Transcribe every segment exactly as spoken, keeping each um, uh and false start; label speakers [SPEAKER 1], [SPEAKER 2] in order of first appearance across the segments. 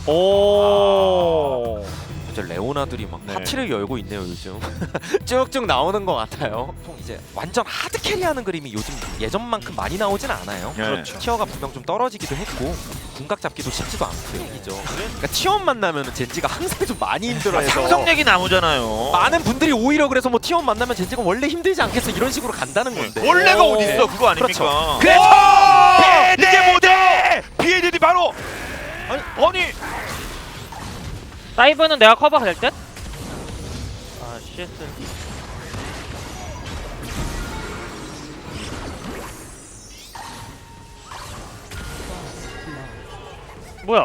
[SPEAKER 1] 오.
[SPEAKER 2] 이제 레오나들이 막
[SPEAKER 3] 네.
[SPEAKER 2] 파티를 열고 있네요 요즘. 쭉쭉 나오는 것 같아요. 보통 이제 완전 하드 캐리하는 그림이 요즘 예전만큼 많이 나오진 않아요.
[SPEAKER 3] 네.
[SPEAKER 2] 그렇죠. 티어가 분명 좀 떨어지기도 했고 궁각 잡기도 쉽지도 않고요. 이죠. 그러니까 티원 만나면 젠지가 항상 좀 많이 힘들어해서
[SPEAKER 3] 상성력이 나오잖아요.
[SPEAKER 2] 많은 분들이 오히려 그래서 뭐 티원 만나면 젠지가 원래 힘들지 않겠어 이런 식으로 간다는 건데.
[SPEAKER 3] 원래가
[SPEAKER 1] 오.
[SPEAKER 3] 어디 있어 그거 아닙니까?
[SPEAKER 2] 그렇죠. 그래서
[SPEAKER 3] 이게 뭐죠? 비에디디 바로 아니 아니
[SPEAKER 1] 다이브는 내가 커버할 듯? 아 쉣. 뭐야?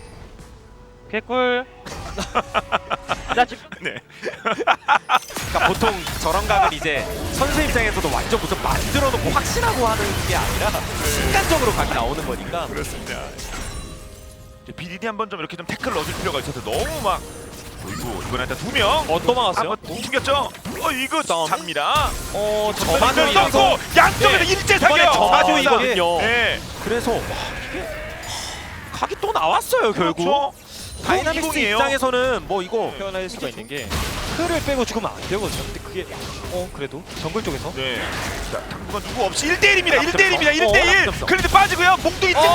[SPEAKER 1] 개꿀. 나 지금
[SPEAKER 3] 네.
[SPEAKER 2] 그러니까 보통 저런 각은 이제 선수 입장에서도 완전 무슨 만들어 놓고 확신하고 하는 게 아니라 순간적으로 각이 나오는 거니까.
[SPEAKER 3] 그렇습니다. 비디디 한번 좀 이렇게 좀 태클 넣어줄 필요가 있어서 너무 막 어이구 이번에 일단 두 명.
[SPEAKER 2] 어, 또 막았어요?
[SPEAKER 3] 한번 죽였죠? 어 이거
[SPEAKER 2] 다음에?
[SPEAKER 3] 잡니다.
[SPEAKER 2] 어,
[SPEAKER 3] 저만
[SPEAKER 2] 저만족이라서
[SPEAKER 3] 넣고 양쪽에서
[SPEAKER 2] 네.
[SPEAKER 3] 일제
[SPEAKER 2] 이번에
[SPEAKER 3] 사격.
[SPEAKER 2] 저만족이거든요.
[SPEAKER 3] 네.
[SPEAKER 2] 그래서 와, 이게 각이 또 나왔어요 결국.
[SPEAKER 3] 그렇죠.
[SPEAKER 2] 다이나믹스
[SPEAKER 3] 이공이에요.
[SPEAKER 2] 입장에서는 뭐 이거
[SPEAKER 1] 표현할 수가 있는 게 틀을 빼고 죽으면 안 되거든요. 근데 그게 어 그래도 정글 쪽에서
[SPEAKER 3] 네. 자, 당분간 누구 없이 일 대 일입니다. 일 대 일입니다.
[SPEAKER 2] 어,
[SPEAKER 3] 일 대 일.
[SPEAKER 2] 어,
[SPEAKER 3] 그런데 빠지고요. 몽둥이 찜질.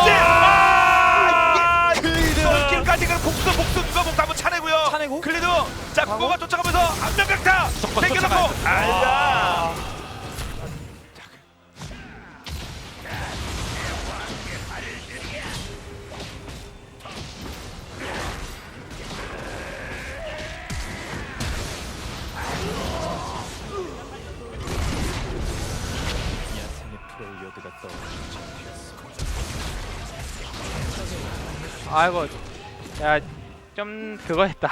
[SPEAKER 3] 아! 클리드까지 그 복수 복수 누가 목 한번 차내고요.
[SPEAKER 1] 차내고?
[SPEAKER 3] 클리드. 자, 국어가 쫓아가면서 안면 강타.
[SPEAKER 2] 무조건
[SPEAKER 3] 당겨놓고.
[SPEAKER 2] 쫓아가야
[SPEAKER 3] 알다.
[SPEAKER 1] 아이고 야 좀 그거 했다.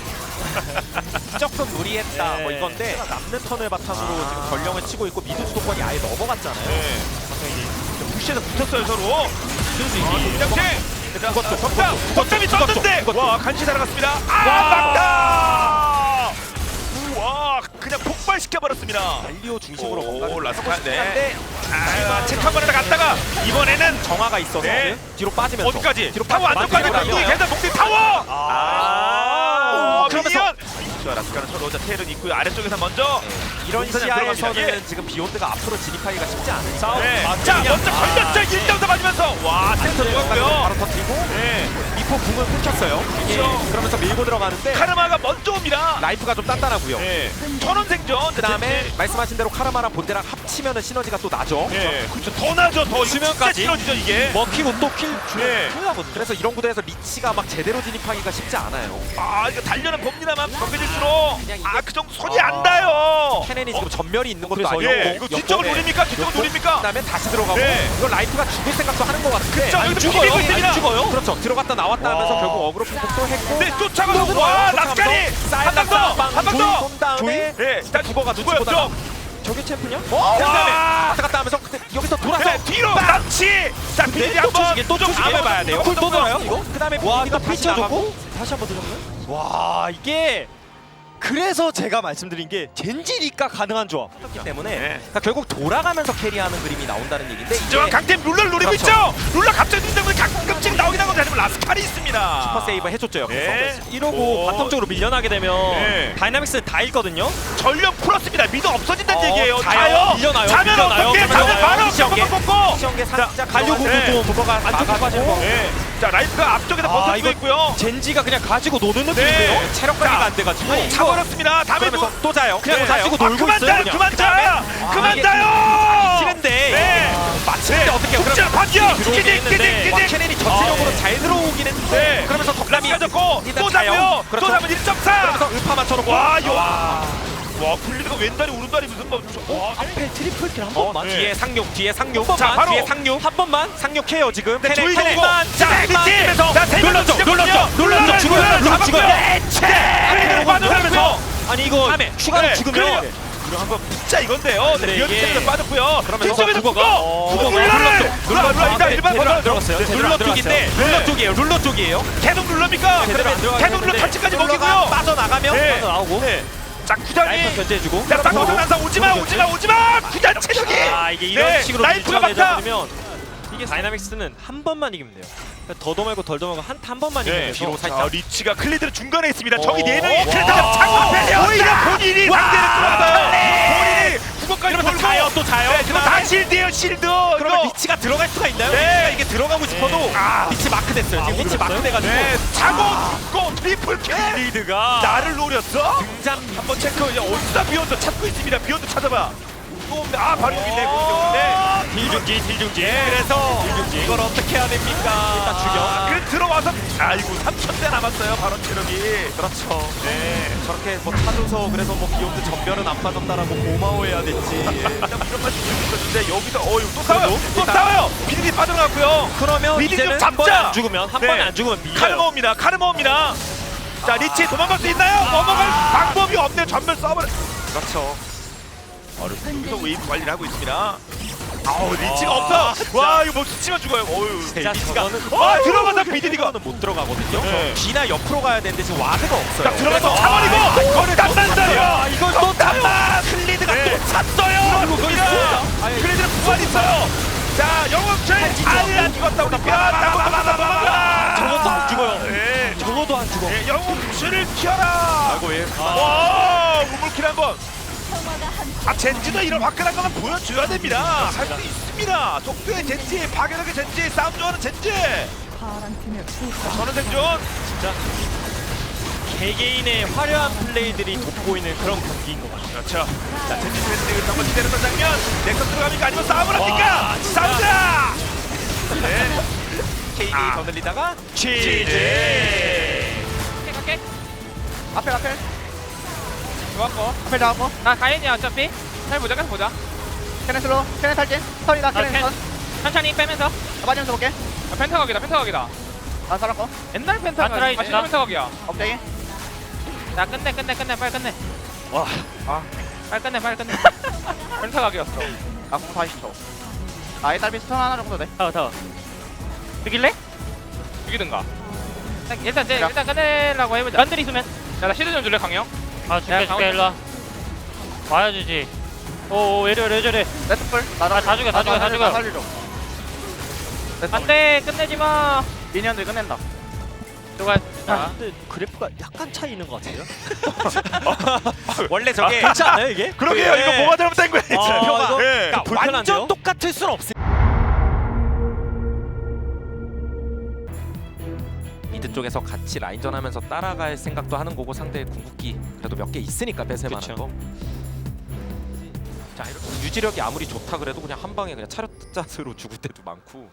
[SPEAKER 2] 조금 무리했다
[SPEAKER 1] 네.
[SPEAKER 2] 뭐 이건데 남는 턴을 바탕으로
[SPEAKER 3] 아.
[SPEAKER 2] 지금 전령을 치고 있고 미드 주도권이 아예 넘어갔잖아요.
[SPEAKER 3] 네. 부시에서 붙었어요 서로. 이장식. 자,
[SPEAKER 2] 그것도,
[SPEAKER 3] 석자.
[SPEAKER 2] 그것도,
[SPEAKER 3] 석점이
[SPEAKER 2] 그것도,
[SPEAKER 3] 떴는데.
[SPEAKER 2] 그것도.
[SPEAKER 3] 와 간치 살아갔습니다. 아
[SPEAKER 2] 와.
[SPEAKER 3] 막다. 우와 그냥 폭발시켜 버렸습니다.
[SPEAKER 2] 알리오 중심으로
[SPEAKER 3] 오,
[SPEAKER 2] 뭔가
[SPEAKER 3] 라스카, 네.
[SPEAKER 2] 한데
[SPEAKER 3] 아, 체크 한번 하다 갔다가 이번에는
[SPEAKER 2] 정화가 있어서
[SPEAKER 3] 네.
[SPEAKER 2] 뒤로 빠지면서
[SPEAKER 3] 어디까지?
[SPEAKER 2] 뒤로
[SPEAKER 3] 타워 안쪽까지
[SPEAKER 2] 빠지고
[SPEAKER 3] 몽둥이 계단 몽둥이 타워!
[SPEAKER 2] 아,
[SPEAKER 3] 아,
[SPEAKER 2] 그러면서
[SPEAKER 3] 미니언! 자, 라스카는 서로 자 테일은 있고요. 아래쪽에서 먼저
[SPEAKER 2] 이런
[SPEAKER 3] 공사장
[SPEAKER 2] 시야에서는
[SPEAKER 3] 들어갑니다. 예.
[SPEAKER 2] 지금 비욘드가 앞으로 진입하기가 쉽지 않은 싸움.
[SPEAKER 3] 네.
[SPEAKER 2] 아,
[SPEAKER 3] 자,
[SPEAKER 2] 그냥-
[SPEAKER 3] 먼저
[SPEAKER 2] 아,
[SPEAKER 3] 걸렸죠. 일 점 더 맞으면서 와, 센터 죽었고요.
[SPEAKER 2] 바로 터뜨리고
[SPEAKER 3] 네.
[SPEAKER 2] 미포 궁을 끊겼어요. 예.
[SPEAKER 3] 그렇죠.
[SPEAKER 2] 그러면서 밀고 들어가는데
[SPEAKER 3] 카르마가 먼저 옵니다.
[SPEAKER 2] 라이프가 좀 단단하고요.
[SPEAKER 3] 네. 천원 생존.
[SPEAKER 2] 그 다음에 말씀하신 대로 카르마랑 본대랑 합치면은 시너지가 또 나죠.
[SPEAKER 3] 네. 그렇죠. 더 나죠. 더 이거 진짜
[SPEAKER 2] 수면까지.
[SPEAKER 3] 시너지죠 이게.
[SPEAKER 2] 먹히고 또킬
[SPEAKER 3] 네.
[SPEAKER 2] 중요하거든요. 그래서 이런 구도에서 리치가 막 제대로 진입하기가 쉽지 않아요.
[SPEAKER 3] 아, 이거 달려는 봅니다만 격해질수록
[SPEAKER 2] 그냥 이게-
[SPEAKER 3] 아, 그 정도 손이
[SPEAKER 2] 아.
[SPEAKER 3] 안 닿아요.
[SPEAKER 2] 케넨이 지금 전멸이 있는 것도
[SPEAKER 1] 그래서
[SPEAKER 2] 아니고
[SPEAKER 3] 예, 이거 뒤쪽을 노립니까? 뒤쪽을 노립니까?
[SPEAKER 2] 그다음에 다시 들어가고
[SPEAKER 3] 네.
[SPEAKER 2] 이거 라이프가 죽을 생각도 하는 것 같은데
[SPEAKER 3] 그쵸,
[SPEAKER 2] 안
[SPEAKER 3] 여기서
[SPEAKER 2] 죽어요.
[SPEAKER 3] 비비고 있습니다.
[SPEAKER 2] 안 죽어요. 그렇죠. 들어갔다 나왔다 하면서
[SPEAKER 3] 와.
[SPEAKER 2] 결국 어그로 punk도 했고
[SPEAKER 3] 네, 쫓아가서 와, 라스카리 한 방 더, 한 방 더.
[SPEAKER 2] 쏜 다음에
[SPEAKER 3] 네, 일단
[SPEAKER 2] 국어가
[SPEAKER 3] 누구였죠?
[SPEAKER 2] 눈치보다가
[SPEAKER 1] 저게 챔프냐?
[SPEAKER 2] 어? 그다음에
[SPEAKER 3] 와.
[SPEAKER 2] 왔다 갔다 하면서 근데 여기서 돌아서
[SPEAKER 3] 그래, 뒤로 남치. 자, 비디
[SPEAKER 2] 또
[SPEAKER 3] 한번
[SPEAKER 2] 조식이 또 조식이
[SPEAKER 3] 한번
[SPEAKER 2] 봐야 돼요.
[SPEAKER 3] 또
[SPEAKER 2] 또 돌아요 이거? 그다음에
[SPEAKER 1] 와
[SPEAKER 2] 비디가
[SPEAKER 1] 이거
[SPEAKER 2] 다시
[SPEAKER 1] 피쳐
[SPEAKER 2] 나가고
[SPEAKER 1] 줬고 다시 한번 들어가면?
[SPEAKER 2] 와 이게
[SPEAKER 1] 그래서 제가 말씀드린 게 젠지니까 가능한 조합.
[SPEAKER 2] 그렇기 때문에
[SPEAKER 3] 네.
[SPEAKER 2] 그러니까 결국 돌아가면서 캐리하는 그림이 나온다는 얘기인데
[SPEAKER 3] 진정한
[SPEAKER 2] 이게
[SPEAKER 3] 강팀 룰러를 노리고
[SPEAKER 2] 그렇죠.
[SPEAKER 3] 있죠. 룰러 갑자기 눈 때문에 가끔씩 나오긴 하거든요. 하지만 라스칼이 있습니다.
[SPEAKER 2] 슈퍼 세이브 해줬죠 여기서.
[SPEAKER 3] 네.
[SPEAKER 1] 이러고
[SPEAKER 3] 오.
[SPEAKER 1] 바텀 쪽으로 밀려나게 되면
[SPEAKER 3] 네.
[SPEAKER 1] 다이나믹스는 다 읽거든요.
[SPEAKER 3] 전력 풀었습니다. 미드 없어진다는
[SPEAKER 1] 어,
[SPEAKER 3] 얘기예요.
[SPEAKER 1] 자요.
[SPEAKER 3] 자요.
[SPEAKER 1] 밀려나요.
[SPEAKER 3] 자면
[SPEAKER 1] 밀려나요.
[SPEAKER 3] 어떻게?
[SPEAKER 1] 밀려나요.
[SPEAKER 3] 자면 바로
[SPEAKER 2] 시험계.
[SPEAKER 3] 꺾고 꺾고.
[SPEAKER 2] 시험계 살짝
[SPEAKER 1] 가려고
[SPEAKER 3] 네.
[SPEAKER 1] 좀
[SPEAKER 2] 국어가
[SPEAKER 1] 안쪽으로 빠지는 거.
[SPEAKER 3] 네. 자, 라이프가 앞쪽에서
[SPEAKER 1] 아,
[SPEAKER 3] 버텨주고
[SPEAKER 1] 이거
[SPEAKER 3] 있고요.
[SPEAKER 1] 젠지가 그냥 가지고 노는
[SPEAKER 3] 네.
[SPEAKER 1] 느낌인데요.
[SPEAKER 2] 체력 관리가
[SPEAKER 3] 자,
[SPEAKER 2] 안 돼가지고
[SPEAKER 3] 차버렸습니다. 다음에
[SPEAKER 2] 그러면서 또 자요.
[SPEAKER 1] 그냥
[SPEAKER 3] 네.
[SPEAKER 1] 가지고
[SPEAKER 3] 아,
[SPEAKER 1] 놀고
[SPEAKER 3] 그만
[SPEAKER 1] 있어요.
[SPEAKER 3] 자요.
[SPEAKER 1] 그냥.
[SPEAKER 3] 그만 자. 그만
[SPEAKER 2] 이게
[SPEAKER 3] 자요.
[SPEAKER 2] 치는데
[SPEAKER 3] 네.
[SPEAKER 2] 맞히는데 어떻게
[SPEAKER 3] 국자 바뀌어.
[SPEAKER 2] 들어오긴
[SPEAKER 3] 기직
[SPEAKER 2] 했는데
[SPEAKER 3] 기직
[SPEAKER 2] 와,
[SPEAKER 3] 기직.
[SPEAKER 2] 케넨이 전체적으로
[SPEAKER 1] 아, 네.
[SPEAKER 2] 잘 들어오긴 했는데
[SPEAKER 3] 네.
[SPEAKER 2] 그러면서 덕담이
[SPEAKER 3] 라스카 잡고
[SPEAKER 2] 일단
[SPEAKER 3] 또
[SPEAKER 2] 자요.
[SPEAKER 3] 잡고요.
[SPEAKER 2] 그렇죠.
[SPEAKER 3] 또 잡으면 일 점 사.
[SPEAKER 2] 그러면서 음파 맞춰놓고
[SPEAKER 3] 와, 요.
[SPEAKER 2] 와.
[SPEAKER 3] 와, 굴리드가 왼다리 오른다리 무슨 뭐 와,
[SPEAKER 1] 앞에 트리플 킬한
[SPEAKER 2] 어,
[SPEAKER 1] 번만.
[SPEAKER 3] 네.
[SPEAKER 2] 뒤에 상륙 뒤에 상륙
[SPEAKER 3] 자, 바로.
[SPEAKER 2] 뒤에 상륙 한 번만 상륙해요 지금
[SPEAKER 3] 네,
[SPEAKER 2] 케넨,
[SPEAKER 3] 조이
[SPEAKER 2] 케넨.
[SPEAKER 3] 정고. 자, 리치. 자, 세 명을
[SPEAKER 2] 눌렀죠, 눌렀죠,
[SPEAKER 3] 눌렀죠.
[SPEAKER 2] 죽어요, 눌렀죠, 죽어요.
[SPEAKER 3] 네. 네. 빠져나면서
[SPEAKER 1] 아니 이거
[SPEAKER 2] 다음에
[SPEAKER 1] 추가로
[SPEAKER 3] 네,
[SPEAKER 1] 죽으면
[SPEAKER 3] 그래요. 이거 한번 진짜 이건데요. 네,
[SPEAKER 1] 네,
[SPEAKER 3] 리얼
[SPEAKER 1] 이게-
[SPEAKER 3] 체력에 빠졌고요.
[SPEAKER 2] 그러면서
[SPEAKER 3] 뒤쪽에서
[SPEAKER 2] 국어가-
[SPEAKER 3] 국어.
[SPEAKER 2] 어,
[SPEAKER 3] 국어
[SPEAKER 2] 국어가
[SPEAKER 3] 룰러를.
[SPEAKER 2] 눌렀죠.
[SPEAKER 3] 룰러 룰러 일단 일반
[SPEAKER 2] 제대로 안
[SPEAKER 3] 버전.
[SPEAKER 2] 들어갔어요.
[SPEAKER 3] 네,
[SPEAKER 2] 제대로
[SPEAKER 3] 룰러
[SPEAKER 2] 안 들어갔어요.
[SPEAKER 3] 쪽인데
[SPEAKER 2] 룰러 쪽이에요. 룰러 쪽이에요.
[SPEAKER 3] 계속 룰러입니까?
[SPEAKER 2] 제대로 안
[SPEAKER 3] 그러면
[SPEAKER 2] 들어가긴
[SPEAKER 3] 계속 룰러
[SPEAKER 2] 했는데
[SPEAKER 3] 터치까지
[SPEAKER 2] 룰러가
[SPEAKER 3] 먹이고요.
[SPEAKER 2] 빠져나가면
[SPEAKER 3] 네.
[SPEAKER 1] 나오고.
[SPEAKER 3] 네. 자, 구단이
[SPEAKER 1] 라이프 견제해주고.
[SPEAKER 3] 자, 쌍꺼풀 난사 오지마 오지마 오지마. 구단 체력이.
[SPEAKER 1] 아 이게 이런
[SPEAKER 3] 네,
[SPEAKER 1] 식으로
[SPEAKER 3] 라이프가
[SPEAKER 1] 밀쳐내자
[SPEAKER 3] 막다.
[SPEAKER 1] 버리면 이게 다이나믹스는 한 번만 이기면 돼요. 그러니까 더도 말고 덜도 말고 한, 한 번만 이기면
[SPEAKER 3] 네,
[SPEAKER 1] 돼서
[SPEAKER 3] 뒤로
[SPEAKER 1] 살짝
[SPEAKER 3] 살짝 리치가 클리드는 중간에 있습니다. 저기
[SPEAKER 1] 오.
[SPEAKER 3] 네 명이
[SPEAKER 1] 와.
[SPEAKER 3] 클리드가 장군 펠리어 오히려 본인이 상대를 뚫었어요. 본인이 구멍까지
[SPEAKER 2] 그러면
[SPEAKER 3] 돌고
[SPEAKER 2] 자요, 또 자요.
[SPEAKER 3] 네, 그럼 다 실드예요 실드.
[SPEAKER 2] 그러면
[SPEAKER 3] 이거.
[SPEAKER 2] 리치가 들어갈 수가 있나요?
[SPEAKER 3] 네.
[SPEAKER 2] 리치가 이게 들어가고 싶어도
[SPEAKER 3] 아.
[SPEAKER 2] 리치 마크 됐어요. 지금
[SPEAKER 1] 아,
[SPEAKER 2] 리치 마크
[SPEAKER 1] 그랬어요?
[SPEAKER 2] 돼가지고
[SPEAKER 3] 네, 차고 고 트리플 킬.
[SPEAKER 2] 리드가
[SPEAKER 3] 나를 노렸어?
[SPEAKER 2] 등장
[SPEAKER 3] 한번 체크. 야, 어디다 비욘드 찾고 있습니다. 비욘드 찾아봐. 또 없네. 아, 바로 여기네. 네.
[SPEAKER 2] 딜중지 딜중지.
[SPEAKER 3] 예.
[SPEAKER 2] 그래서 이걸 어떻게 해야 됩니까? 일단
[SPEAKER 3] 아, 그래 들어와서 아이고 삼천 대 남았어요. 바로 체력이.
[SPEAKER 2] 그렇죠.
[SPEAKER 3] 네.
[SPEAKER 2] 저렇게 뭐 타줘서 그래서 뭐 비욘드 전멸은 안 빠졌다라고 고마워해야 됐지.
[SPEAKER 3] 일단 이런 말씀 드렸는데 여기서 어유 또 싸워요.
[SPEAKER 2] 그래도
[SPEAKER 3] 또
[SPEAKER 2] 일단-
[SPEAKER 3] 싸워요. 비디디 빠져나갔고요.
[SPEAKER 2] 그러면
[SPEAKER 3] 미리 좀
[SPEAKER 2] 이제는
[SPEAKER 3] 잡자.
[SPEAKER 2] 한 번에 안 죽으면 한
[SPEAKER 3] 네.
[SPEAKER 2] 번에 안 죽으면 밀려요.
[SPEAKER 3] 카르마옵니다. 카르마옵니다. 자 리치 도망갈 수 있나요? 넘어갈 방법이 없네요. 전멸 써버려.
[SPEAKER 2] 그렇죠.
[SPEAKER 3] 여기서 웨이브 관리를 하고 있습니다. 아우 리치가
[SPEAKER 2] 아,
[SPEAKER 3] 없어.
[SPEAKER 2] 진짜.
[SPEAKER 3] 와 이거 뭐 스치면 죽어요. 어유.
[SPEAKER 2] 자,
[SPEAKER 3] 리치가.
[SPEAKER 2] 저거는-
[SPEAKER 3] 어 들어가다 비디디가.
[SPEAKER 2] 는 못 들어가거든요.
[SPEAKER 3] 네.
[SPEAKER 2] 뒤나 옆으로 가야 되는데 지금 와드가 없어요.
[SPEAKER 3] 자 들어가서
[SPEAKER 2] 그래서-
[SPEAKER 3] 차버리고
[SPEAKER 2] 아,
[SPEAKER 3] 이거를 단단다요.
[SPEAKER 2] 이걸 또
[SPEAKER 3] 단단. 클리드가
[SPEAKER 2] 네.
[SPEAKER 3] 또 찼어요.
[SPEAKER 2] 그리고 거기 있습니다. 아니,
[SPEAKER 3] 클리드는 부활 있어요. 자 영웅철 아니야 죽었다 우리 편.
[SPEAKER 2] 저것도 안 죽어요.
[SPEAKER 3] 네.
[SPEAKER 1] 저거도 안 죽어.
[SPEAKER 3] 네, 영웅철을 키워라.
[SPEAKER 2] 아이고 예.
[SPEAKER 3] 와 우물킬 한번. 아 젠지도 이런 화끈한 거는 보여줘야 됩니다. 할 수 있습니다. 속도의 젠지, 파괴력의 젠지, 싸움 좋아하는 젠지. 자, 저는 생존.
[SPEAKER 1] 진짜 개개인의 화려한 플레이들이 돋보이는 그런 경기인 것 같아요.
[SPEAKER 3] 그렇죠. 자 젠지 젠지 한번 기다렸던 장면. 넥슨 들어갑니까 아니면 싸움을 합니까?
[SPEAKER 1] 진짜.
[SPEAKER 3] 싸우자. 네.
[SPEAKER 2] 케이디
[SPEAKER 3] 아.
[SPEAKER 2] 더 늘리다가
[SPEAKER 3] 치즈.
[SPEAKER 4] 갈게.
[SPEAKER 5] 앞에 앞에
[SPEAKER 4] 좋았고.
[SPEAKER 5] 앞에 나왔고
[SPEAKER 4] 나 가인이야 어차피. 잘 보자, 계속 보자.
[SPEAKER 5] 캐넨 슬로 캐넨 탈진 턴이다
[SPEAKER 4] 나
[SPEAKER 5] 캐넨
[SPEAKER 4] 캔.
[SPEAKER 5] 턴
[SPEAKER 4] 천천히 빼면서.
[SPEAKER 5] 나 빠지면서 볼게
[SPEAKER 4] 야, 펜타각이다, 펜타각이다.
[SPEAKER 5] 난 살았고
[SPEAKER 4] 옛날 펜타각.
[SPEAKER 1] 아, 트라이
[SPEAKER 4] 아,
[SPEAKER 1] 됐다.
[SPEAKER 4] 펜타각이야.
[SPEAKER 5] 업데이
[SPEAKER 4] 야, 끝내, 끝내, 끝내, 빨리 끝내.
[SPEAKER 1] 와,
[SPEAKER 4] 빨리 끝내, 빨리 끝내. 펜타각이었어.
[SPEAKER 5] 아공 사십 초 아예 딸비 스턴 하나 정도 돼
[SPEAKER 1] 타워 타워.
[SPEAKER 4] 이길래? 이기든가. 일단, 일단, 제,
[SPEAKER 5] 야.
[SPEAKER 4] 일단 끝내려고 해보자.
[SPEAKER 1] 란들 있으면.
[SPEAKER 4] 야, 나 시드 좀 줄래, 강영?
[SPEAKER 1] 아
[SPEAKER 4] 야,
[SPEAKER 1] 줄게
[SPEAKER 4] 강원
[SPEAKER 1] 줄게 일로 와. 와야 주지. 오 왜 저래 왜 저래.
[SPEAKER 5] 레트풀 나다
[SPEAKER 1] 아, 다 죽여, 다 죽여, 다 죽여.
[SPEAKER 5] 살려줘
[SPEAKER 4] 안 돼, 끝내지 마.
[SPEAKER 5] 미니언들 끝낸다
[SPEAKER 4] 누가,
[SPEAKER 1] 아,
[SPEAKER 4] 자.
[SPEAKER 1] 근데 그래프가 약간 차이 있는 것 같아요.
[SPEAKER 2] 원래 저게
[SPEAKER 1] 그렇지 않아요 이게?
[SPEAKER 3] 그러게요.
[SPEAKER 2] 네.
[SPEAKER 3] 이거 뭐가 잘못된 거예요?
[SPEAKER 1] 아,
[SPEAKER 3] 표가.
[SPEAKER 1] 이거-
[SPEAKER 3] 예.
[SPEAKER 2] 그러니까
[SPEAKER 1] 불편한데요?
[SPEAKER 2] 완전 똑같을 순 없어요. 미드 쪽에서 같이 라인전하면서 따라갈 생각도 하는 거고 상대의 궁극기 그래도 몇 개 있으니까 뺏을 만한
[SPEAKER 1] 그쵸.
[SPEAKER 2] 거. 자 이렇게 유지력이 아무리 좋다 그래도 그냥 한 방에 그냥 차렷 자세로 죽을 때도 많고.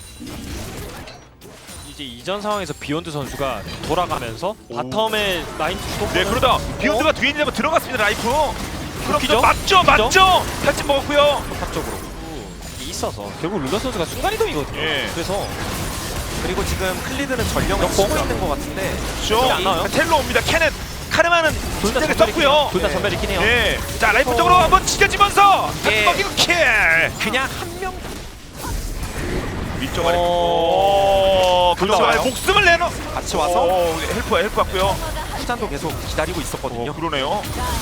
[SPEAKER 1] 이제 이전 상황에서 비욘드 선수가 돌아가면서 바텀에 라인 주도
[SPEAKER 3] 네 그러다 비욘드가 뒤에 있는 데 들어갔습니다. 라이프. 그럼
[SPEAKER 1] 웃기죠?
[SPEAKER 3] 또 맞죠 맞죠. 탈진 먹었고요.
[SPEAKER 2] 합적으로.
[SPEAKER 1] 이게 있어서 결국 룰러 선수가 순간이동이거든요.
[SPEAKER 3] 예.
[SPEAKER 1] 그래서
[SPEAKER 2] 그리고 지금 클리드는 전령을 쓰고 있는 것 같은데
[SPEAKER 3] 그렇죠.
[SPEAKER 1] 안 나와요?
[SPEAKER 3] 텔로 옵니다. 캐넨 카르마는
[SPEAKER 1] 둘다
[SPEAKER 3] 진작에
[SPEAKER 1] 전멸이
[SPEAKER 3] 썼고요.
[SPEAKER 1] 둘다
[SPEAKER 2] 네.
[SPEAKER 1] 전멸 있긴 해요.
[SPEAKER 3] 네. 자 라이프 쪽으로 한번 찢어지면서
[SPEAKER 2] 예.
[SPEAKER 3] 탈진 먹이고 킬.
[SPEAKER 2] 그냥 한 명
[SPEAKER 3] 위쪽 아래.
[SPEAKER 1] 어.
[SPEAKER 3] 오. 그렇죠.
[SPEAKER 2] 올라와요?
[SPEAKER 3] 목숨을 내놓.
[SPEAKER 2] 같이 와서
[SPEAKER 3] 오, 헬프 헬프 같고요.
[SPEAKER 2] 후잔도 계속 기다리고 있었거든요.
[SPEAKER 3] 어, 그러네요.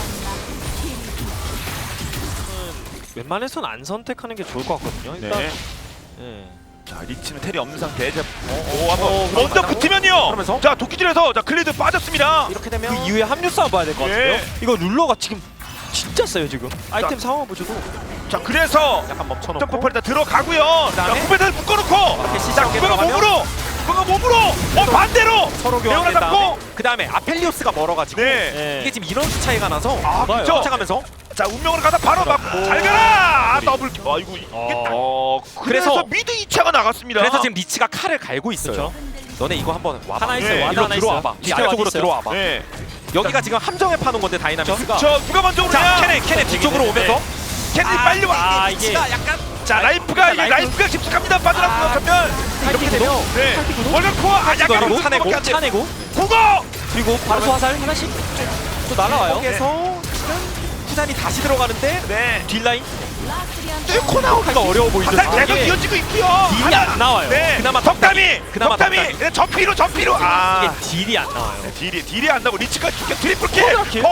[SPEAKER 1] 웬만해서는 안 선택하는 게 좋을 것 같거든요. 일단
[SPEAKER 3] 네.
[SPEAKER 1] 예.
[SPEAKER 3] 자 리치는 텔이 없는 상태. 이제 오 한번
[SPEAKER 1] 어,
[SPEAKER 3] 먼저
[SPEAKER 2] 그러면서?
[SPEAKER 3] 붙으면요.
[SPEAKER 2] 그러면서?
[SPEAKER 3] 자 도끼질에서 자 클리드 빠졌습니다.
[SPEAKER 2] 이렇게 되면
[SPEAKER 1] 그 이후에 합류 싸움 봐야 될 것 같은데요.
[SPEAKER 3] 예.
[SPEAKER 1] 이거 룰러가 지금 진짜 세요 지금. 아이템 상황 보셔도
[SPEAKER 3] 자 그래서
[SPEAKER 2] 약간 멈춰놓고
[SPEAKER 3] 점프펄 다 들어가고요. 자
[SPEAKER 2] 그다음에?
[SPEAKER 3] 후배들 묶어놓고.
[SPEAKER 2] 이렇게
[SPEAKER 3] 자
[SPEAKER 2] 시시하게
[SPEAKER 3] 후배가
[SPEAKER 2] 들어가면?
[SPEAKER 3] 몸으로. 후배가 몸으로. 어 반대로.
[SPEAKER 2] 서로
[SPEAKER 3] 레오나
[SPEAKER 2] 교환된
[SPEAKER 3] 잡고.
[SPEAKER 2] 다음에 그 다음에 아펠리오스가 멀어가지고
[SPEAKER 3] 네.
[SPEAKER 1] 예.
[SPEAKER 2] 이게 지금 이런 수 차이가 나서
[SPEAKER 3] 아
[SPEAKER 1] 맞아요.
[SPEAKER 3] 그렇죠.
[SPEAKER 2] 쫓아가면서
[SPEAKER 3] 자 운명으로 가다 바로 맞고 잘 가라. 아, 더블. 아이고 이게
[SPEAKER 1] 어.
[SPEAKER 3] 어 그래서
[SPEAKER 2] 그래서
[SPEAKER 3] 미드 이 차가 나갔습니다.
[SPEAKER 2] 그래서 지금 리치가 칼을 갈고 있어요.
[SPEAKER 1] 그렇죠.
[SPEAKER 2] 너네 이거 한번 와봐.
[SPEAKER 1] 하나 있어요.
[SPEAKER 3] 네,
[SPEAKER 1] 와드
[SPEAKER 2] 이리로
[SPEAKER 1] 하나
[SPEAKER 2] 들어와봐.
[SPEAKER 1] 있어요.
[SPEAKER 2] 이
[SPEAKER 1] 밑에
[SPEAKER 2] 아래쪽으로
[SPEAKER 1] 와드 있어요.
[SPEAKER 2] 들어와봐.
[SPEAKER 3] 네.
[SPEAKER 2] 여기가 지금 함정에 파는 건데 다이나믹스가.
[SPEAKER 3] 저 누가 먼저 오느냐?
[SPEAKER 2] 자 캐넨 캐넨 뒤쪽으로
[SPEAKER 1] 네.
[SPEAKER 2] 오면서
[SPEAKER 3] 캔디
[SPEAKER 2] 아,
[SPEAKER 3] 빨리 와.
[SPEAKER 1] 아,
[SPEAKER 2] 이게
[SPEAKER 1] 이게-
[SPEAKER 2] 리치가 약간
[SPEAKER 3] 자 라이프가 이게
[SPEAKER 1] 라이프-
[SPEAKER 3] 라이프가 집중합니다. 빠져나고
[SPEAKER 2] 아,
[SPEAKER 3] 생각하면
[SPEAKER 2] 이렇게 되면
[SPEAKER 3] 네. 월급 코어 아 약간
[SPEAKER 1] 그리고
[SPEAKER 2] 차내고,
[SPEAKER 3] 차내고
[SPEAKER 1] 차내고
[SPEAKER 3] 국어.
[SPEAKER 1] 그리고 바로 화살 하나씩 또 날아와요.
[SPEAKER 2] 여기에서 지금 후단이 다시 들어가는데
[SPEAKER 3] 네.
[SPEAKER 1] 딜라인
[SPEAKER 2] 뚫고 나오기가 어려워 보이죠.
[SPEAKER 3] 화살
[SPEAKER 2] 지금.
[SPEAKER 3] 계속
[SPEAKER 2] 이게
[SPEAKER 3] 이어지고 있고요.
[SPEAKER 1] 딜이 안 나와요.
[SPEAKER 3] 네.
[SPEAKER 2] 그나마
[SPEAKER 3] 덕담이.
[SPEAKER 2] 그나마
[SPEAKER 3] 덕담이.
[SPEAKER 2] 덕담이.
[SPEAKER 3] 네, 전피로 전피로. 아.
[SPEAKER 1] 이게 딜이 안 나와요.
[SPEAKER 3] 네, 딜이 딜이 안 나고 리치가 죽여 트리플 킬.
[SPEAKER 1] 쿼드라 킬?
[SPEAKER 3] 더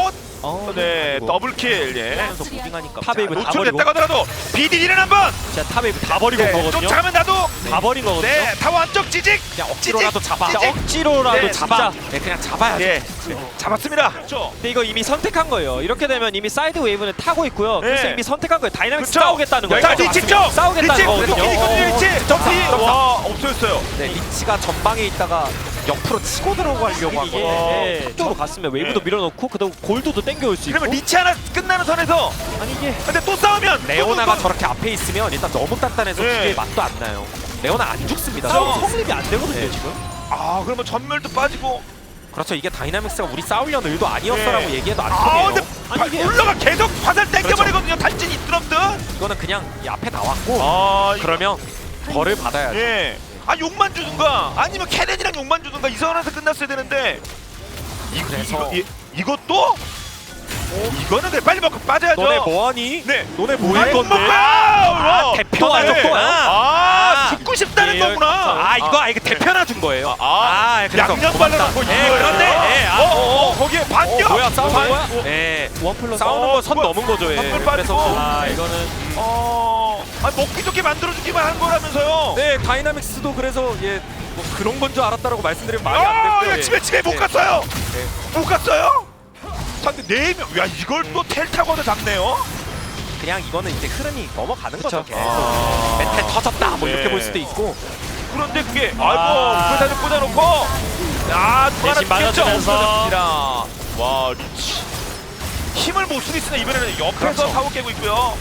[SPEAKER 1] 어,
[SPEAKER 3] 네, 더블킬. 예.
[SPEAKER 2] 하면서 무빙하니까
[SPEAKER 1] 탑웨이브 다
[SPEAKER 3] 노출
[SPEAKER 1] 버리고
[SPEAKER 3] 됐다고 하더라도 비디디는 한번.
[SPEAKER 1] 진짜 탑웨이브 다 버리고
[SPEAKER 3] 네,
[SPEAKER 1] 거거든요.
[SPEAKER 3] 쫓아가면 나도.
[SPEAKER 1] 다 버린 거거든요.
[SPEAKER 3] 네, 타워 안쪽 찌직.
[SPEAKER 2] 그냥 억지로라도 잡아.
[SPEAKER 3] 찌직.
[SPEAKER 1] 진짜 억지로라도
[SPEAKER 3] 네,
[SPEAKER 1] 잡아.
[SPEAKER 2] 네, 그냥 잡아야죠.
[SPEAKER 3] 예, 잡았습니다. 그렇죠.
[SPEAKER 1] 근데 이거 이미 선택한 거예요. 이렇게 되면 이미 사이드 웨이브는 타고 있고요. 그래서
[SPEAKER 3] 네.
[SPEAKER 1] 이미 선택한 거예요. 다이나믹스
[SPEAKER 3] 그쵸.
[SPEAKER 1] 싸우겠다는 거예요.
[SPEAKER 3] 자, 리치 쪽.
[SPEAKER 1] 싸우겠다는
[SPEAKER 3] 리치
[SPEAKER 1] 거거든요.
[SPEAKER 3] 도끼 있거든요. 리치. 점피.
[SPEAKER 2] 점사.
[SPEAKER 3] 와, 없어졌어요.
[SPEAKER 2] 네, 리치가 전방에 있다가 옆으로 치고 들어가려고 한
[SPEAKER 1] 이게
[SPEAKER 2] 거예요.
[SPEAKER 1] 예, 쪽으로 갔으면 웨이브도
[SPEAKER 3] 네.
[SPEAKER 1] 밀어넣고 그다음 골드도 땡겨올 수 있고.
[SPEAKER 3] 그러면 리치 하나 끝나는 선에서
[SPEAKER 1] 아니 이게
[SPEAKER 3] 근데 또 싸우면
[SPEAKER 2] 레오나가
[SPEAKER 3] 또, 또,
[SPEAKER 2] 저렇게 앞에 있으면 일단 너무 단단해서
[SPEAKER 3] 네.
[SPEAKER 2] 기계의 맛도 안 나요. 레오나 안 죽습니다.
[SPEAKER 1] 싸움
[SPEAKER 2] 저거.
[SPEAKER 1] 성립이 안 되거든요
[SPEAKER 2] 네.
[SPEAKER 1] 지금.
[SPEAKER 3] 아, 그러면 전멸도 빠지고.
[SPEAKER 2] 그렇죠. 이게 다이나믹스가 우리 싸우려는 의도 아니었어라고
[SPEAKER 3] 네.
[SPEAKER 2] 얘기해도 안
[SPEAKER 3] 아,
[SPEAKER 2] 통해요.
[SPEAKER 3] 근데
[SPEAKER 1] 아니, 이게-
[SPEAKER 3] 올라가 계속 화살 땡겨버리거든요. 달진이 있더라든.
[SPEAKER 2] 이거는 그냥 이 앞에 나왔고
[SPEAKER 3] 아,
[SPEAKER 2] 그러면 벌을 받아야죠.
[SPEAKER 3] 예. 아, 욕만 주든가 아니면 캐넨이랑 욕만 주든가 이 선에서 끝났어야 되는데. 이,
[SPEAKER 2] 그래서-
[SPEAKER 3] 이거, 이, 이것도 이거는 그래 빨리 먹고 빠져야죠.
[SPEAKER 2] 너네 뭐하니?
[SPEAKER 3] 네.
[SPEAKER 2] 너네
[SPEAKER 3] 아,
[SPEAKER 2] 뭐할
[SPEAKER 3] 욕
[SPEAKER 2] 건데?
[SPEAKER 3] 먹고! 아,
[SPEAKER 1] 대표
[SPEAKER 3] 네.
[SPEAKER 1] 아니죠, 또요?
[SPEAKER 3] 아,
[SPEAKER 2] 아,
[SPEAKER 3] 죽고 싶다는
[SPEAKER 1] 예,
[SPEAKER 3] 거구나.
[SPEAKER 2] 아 이거 아 이거 대표나 준 거예요.
[SPEAKER 3] 아,
[SPEAKER 2] 그래서
[SPEAKER 3] 양념
[SPEAKER 2] 고맙다.
[SPEAKER 3] 발라놓고
[SPEAKER 2] 예,
[SPEAKER 3] 이거예요?
[SPEAKER 2] 그런데 예, 아,
[SPEAKER 3] 어, 어, 어, 거기에
[SPEAKER 2] 어,
[SPEAKER 3] 반격.
[SPEAKER 2] 뭐야 싸우는
[SPEAKER 3] 반-
[SPEAKER 2] 거야?
[SPEAKER 3] 어,
[SPEAKER 2] 예.
[SPEAKER 1] 원 플러스.
[SPEAKER 2] 싸우는
[SPEAKER 3] 어,
[SPEAKER 2] 건 선
[SPEAKER 3] 그거-
[SPEAKER 2] 넘은 거죠. 예.
[SPEAKER 3] 한번
[SPEAKER 2] 그래서
[SPEAKER 3] 빠지고.
[SPEAKER 1] 아 이거는
[SPEAKER 3] 어, 아, 먹기 좋게 만들어주기만 한 거라면서요.
[SPEAKER 2] 네 다이나믹스도 그래서 예, 뭐 그런 건 줄 알았다라고 말씀드리면 말이 안
[SPEAKER 3] 아,
[SPEAKER 2] 되고요.
[SPEAKER 3] 야,
[SPEAKER 2] 예.
[SPEAKER 3] 집에 집에 못
[SPEAKER 2] 예.
[SPEAKER 3] 갔어요.
[SPEAKER 2] 네.
[SPEAKER 3] 못 갔어요. 상대 네 명. 야, 이걸 또 텔 타고도 잡네요.
[SPEAKER 2] 그냥 이거는 이제 흐름이 넘어가는
[SPEAKER 1] 그쵸.
[SPEAKER 2] 거죠. 계속.
[SPEAKER 3] 아.
[SPEAKER 2] 멘탈 터졌다 뭐 이렇게
[SPEAKER 3] 네.
[SPEAKER 2] 볼 수도 있고.
[SPEAKER 3] 그런데 그게
[SPEAKER 1] 아.
[SPEAKER 3] 아이고 불사조 꽂아놓고 야, 또 하나
[SPEAKER 1] 대신 맞아주면서.
[SPEAKER 3] 없어졌습니다. 와, 리치 힘을 못 쓰겠으나 이번에는 옆에서
[SPEAKER 2] 그렇죠.
[SPEAKER 3] 사고 깨고 있고요.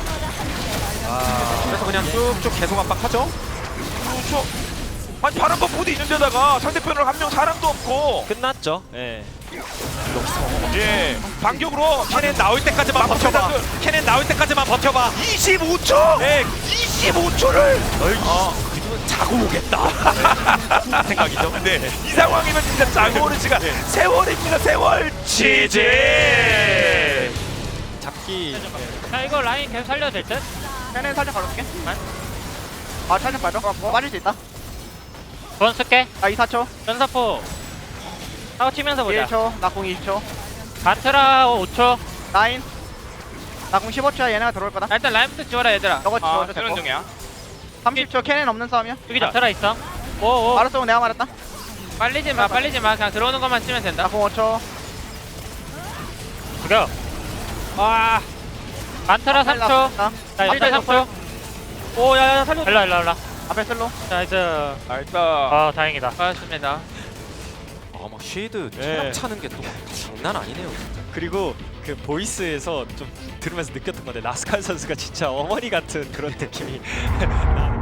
[SPEAKER 2] 그래서 그냥 쭉쭉 계속 압박하죠.
[SPEAKER 3] 그렇죠. 아니 파란 버프도 있는데다가 상대편으로 한 명 사람도 없고.
[SPEAKER 1] 끝났죠. 예.
[SPEAKER 3] 예, 반격으로
[SPEAKER 2] 캐넨 나올 때까지만 버텨봐. 캐넨 나올 때까지만 버텨봐.
[SPEAKER 3] 이십오 초.
[SPEAKER 2] 네.
[SPEAKER 3] 이십오 초를.
[SPEAKER 2] 어, 자고 오겠다. 생각이죠.
[SPEAKER 3] 네, 이 상황이면 진짜 자고오는 시간 세월입니다. 세월. 지지.
[SPEAKER 1] 잡기.
[SPEAKER 4] 자 이거 라인 계속 살려도 될 듯?
[SPEAKER 5] 캐넨 살짝 걸어줄게. 아 살짝 빠져. 어, 빠질 수 있다.
[SPEAKER 4] 돈 쓸게.
[SPEAKER 5] 아 이 사 초.
[SPEAKER 4] 전사포 싸워 치면서 보자.
[SPEAKER 5] 일 초. 나공 이십 초.
[SPEAKER 4] 바트라 오 초.
[SPEAKER 5] 라인. 나공 십오 초야. 얘네가 들어올 거다.
[SPEAKER 4] 야, 일단 라인부터 지워라 얘들아.
[SPEAKER 5] 너가 지워줘.
[SPEAKER 4] 아, 쓰는 중이야.
[SPEAKER 5] 삼십 초. 캐넨 없는 싸움이야.
[SPEAKER 4] 여기 바트라 있어. 오오.
[SPEAKER 5] 알았어. 그럼 내가 말했다.
[SPEAKER 4] 빨리지 마 빨리지 마 그냥 들어오는 것만 치면 된다.
[SPEAKER 5] 나공 오 초.
[SPEAKER 4] 죽여. 와. 바트라 삼 초.
[SPEAKER 5] 나
[SPEAKER 4] 자 일단 삼 초. 오 야야 살려. 일로 일로 일로.
[SPEAKER 5] 앞에 슬로.
[SPEAKER 4] 나이스.
[SPEAKER 3] 나이스.
[SPEAKER 4] 아 다행이다. 고맙습니다.
[SPEAKER 2] 아막 쉐이드
[SPEAKER 1] 예.
[SPEAKER 2] 체력 차는 게 또 장난 아니네요.
[SPEAKER 1] 그리고 그 보이스에서 좀 들으면서 느꼈던 건데 라스칼 선수가 진짜 어머니 같은 그런 느낌이 나-